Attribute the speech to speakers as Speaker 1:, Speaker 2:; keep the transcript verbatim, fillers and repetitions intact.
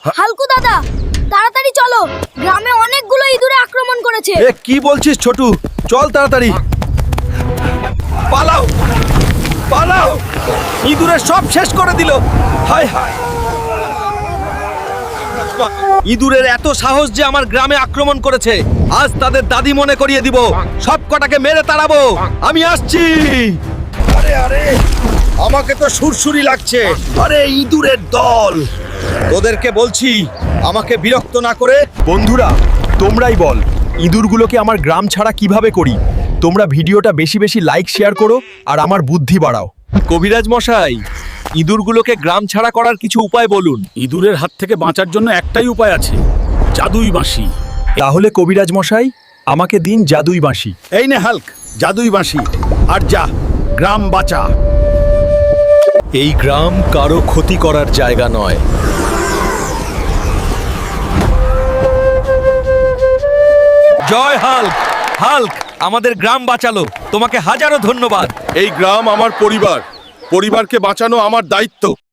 Speaker 1: হালকু দাদা, তাড়াতাড়ি চলো, গ্রামে অনেকগুলো ইঁদুরে আক্রমণ করেছে।
Speaker 2: এ কি বলছিস ছোটু? চল তাড়াতাড়ি পালাও, পালাও! ইঁদুরে সব শেষ করে দিল। হায় হায়! ইঁদুরের এত সাহস যে আমার গ্রামে আক্রমণ করেছে। আজ তাদের দাদি মনে করিয়ে দিব, সব কটাকে মেরে তাড়াবো। আমি আসছি। আরে আরে, আমাকে তো সুরসুরি লাগছে। আরে ইঁদুরের দল, তোদেরকে বলছি আমাকে বিরক্ত না করে।
Speaker 3: বন্ধুরা, তোমরাই বল, ইঁদুরগুলোকে আমার গ্রাম ছাড়া কিভাবে করি? তোমরা ভিডিওটা বেশি বেশি লাইক শেয়ার করো আর আমার বুদ্ধি বাড়াও।
Speaker 2: কবিরাজ মশাই, ইঁদুরগুলোকে গ্রাম ছাড়া করার কিছু উপায় বলুন।
Speaker 4: ইঁদুরের হাত থেকে বাঁচার জন্য একটাই উপায় আছে, জাদুই বাঁশি।
Speaker 3: তাহলে কবিরাজ মশাই, আমাকে দিন জাদুই বাঁশি।
Speaker 4: এই নে হাল্ক, জাদুই বাঁশি, আর যা, গ্রাম বাঁচা।
Speaker 2: এই গ্রাম কারো ক্ষতি করার জায়গা নয়। জয় হাল্ক! হাল্ক আমাদের গ্রাম বাঁচালো, তোমাকে হাজারো ধন্যবাদ।
Speaker 5: এই গ্রাম আমার পরিবার, পরিবারকে বাঁচানো আমার দায়িত্ব।